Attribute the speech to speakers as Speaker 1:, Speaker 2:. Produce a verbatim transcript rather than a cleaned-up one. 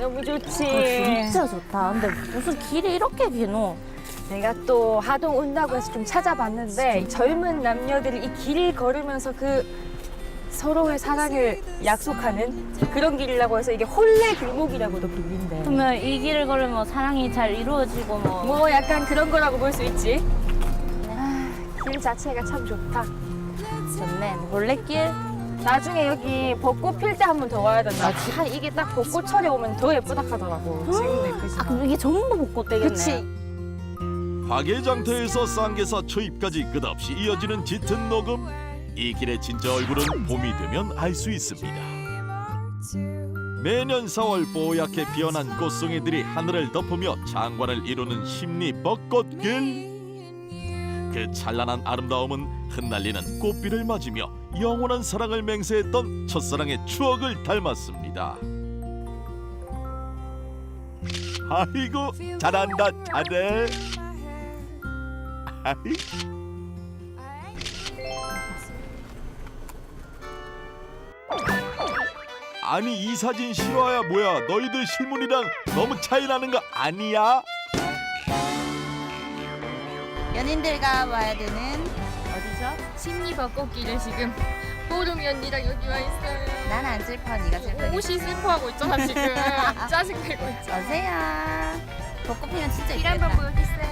Speaker 1: 너무 좋지.
Speaker 2: 아, 진짜 좋다. 근데 무슨 길이 이렇게 기노?
Speaker 1: 내가 또 하동 온다고 해서 좀 찾아봤는데 이 젊은 남녀들이 이 길을 걸으면서 그 서로의 사랑을 약속하는 그런 길이라고 해서 이게 혼례 길목이라고도 불린대.
Speaker 2: 그러면 이 길을 걸으면 사랑이 잘 이루어지고 뭐.
Speaker 1: 뭐 약간 그런 거라고 볼 수 있지. 아, 길 자체가 참 좋다.
Speaker 2: 좋네. 뭐 몰래길?
Speaker 1: 나중에 여기 벚꽃 필 때 한 번 더 와야 된다. 아, 이게 딱 벚꽃철에 오면 더 예쁘다 하더라고. 지금도 예쁘지만.
Speaker 2: 아, 그럼 이게 전부 벚꽃 되겠네.
Speaker 1: 그치.
Speaker 3: 화개장터에서 쌍계사 초입까지 끝없이 이어지는 짙은 녹음. 이 길의 진짜 얼굴은 봄이 되면 알 수 있습니다. 매년 사월 뽀얗게 피어난 꽃송이들이 하늘을 덮으며 장관을 이루는 심리 벚꽃길. 그 찬란한 아름다움은 흩날리는 꽃비를 맞으며 영원한 사랑을 맹세했던 첫사랑의 추억을 닮았습니다. 아이고 잘한다 잘해. 아이. 아니 이 사진 실화야 뭐야? 너희들 실물이랑 너무 차이 나는 거 아니야?
Speaker 2: 연인들과 와야 되는 어디죠?
Speaker 1: 심리 벚꽃길을 지금 뽀름이 언니랑 여기 와 있어요.
Speaker 2: 난 안 슬퍼, 네가 슬퍼.
Speaker 1: 옷이 슬퍼하고 있잖아 지금. 짜증내고 있잖아.
Speaker 2: 어세요. 벚꽃 피면 진짜
Speaker 1: 길 한번
Speaker 2: 이쁘겠다.
Speaker 1: 보여주세요.